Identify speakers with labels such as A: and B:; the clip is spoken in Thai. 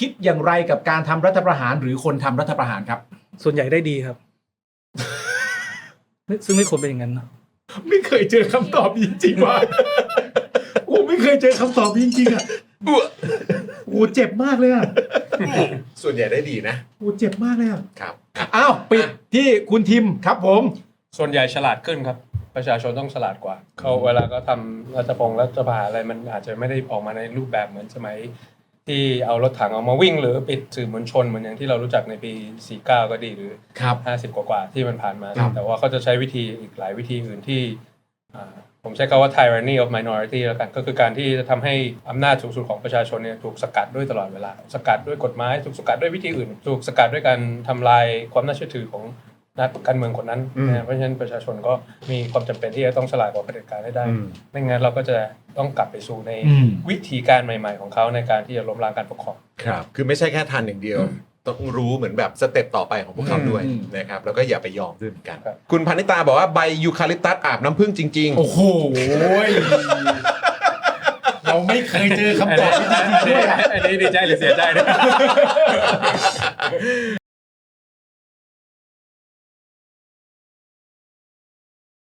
A: คิดอย่างไรกับการทำรัฐประหารหรือคนทำรัฐประหารครับ
B: ส่วนใหญ่ได้ดีครับ ซึ่งไม่ควรเป็นอย่างนั้นนะ
A: ไม่เคยเจอคำตอบจริงๆว่ะโอ้ไม่เคยเจอคำตอบจริงๆอ่ะโอ้เจ็บมากเลยอ่ะ
C: ส่วนใหญ่ได้ดีนะ
A: โอ้เจ็บมากเลยอ่ะ
C: ครับ
A: อ้าวปิดที่คุณทิมครับผม
D: ส่วนใหญ่ฉลาดขึ้นครับประชาชนต้องฉลาดกว่าเขาเวลาก็ทำรัฐประหารอะไรมันอาจจะไม่ได้ออกมาในรูปแบบเหมือนสมัยที่เอารถถังออกมาวิ่งหรือปิดสื่อมวลชนเหมือนอย่างที่เรารู้จักในปี 49 ก็ดีหรือ
A: ครับ
D: 50 กว่าๆที่มันผ่านมา
A: ครับ
D: แต่ว่าเขาจะใช้วิธีอีกหลายวิธีอื่นที่ผมใช้คำว่า tyranny of minority แล้วกันก็คือการที่จะทำให้อำนาจสูงสุดของประชาชนเนี่ยถูกสกัดด้วยตลอดเวลาสกัดด้วยกฎหมายถูกสกัดด้วยวิธีอื่น ถูกสกัดด้วยการทำลายความน่าเชื่อถือของนักการเมืองคนนั้นนะเพราะฉะนั้นประชาชนก็มีความจำเป็นที่จะต้องฉลาดกว่าเผด็จการให้ได้ไม่งั้นเราก็จะต้องกลับไปสู่ในวิธีการใหม่ๆของเขาในการที่จะล้มล้างการปกครอง
C: ครับ คือไม่ใช่แค่ทันอย่างเดียว ต้องรู้เหมือนแบบสเต็ปต่อไปของพวกเขาด้วยนะครับ แล้วก็อย่าไปยอมด้วยเหมือนกัน
D: ครับ
C: คุณพานิตาบอกว่าใบยูคาลิปตัสอาบน้ำผึ้งจริง
A: โอ้โหเราไม่เคยเจอคำตอบที่จริงๆด้วย
D: อันนี้ดีใจหรือเสียใจเนี่ย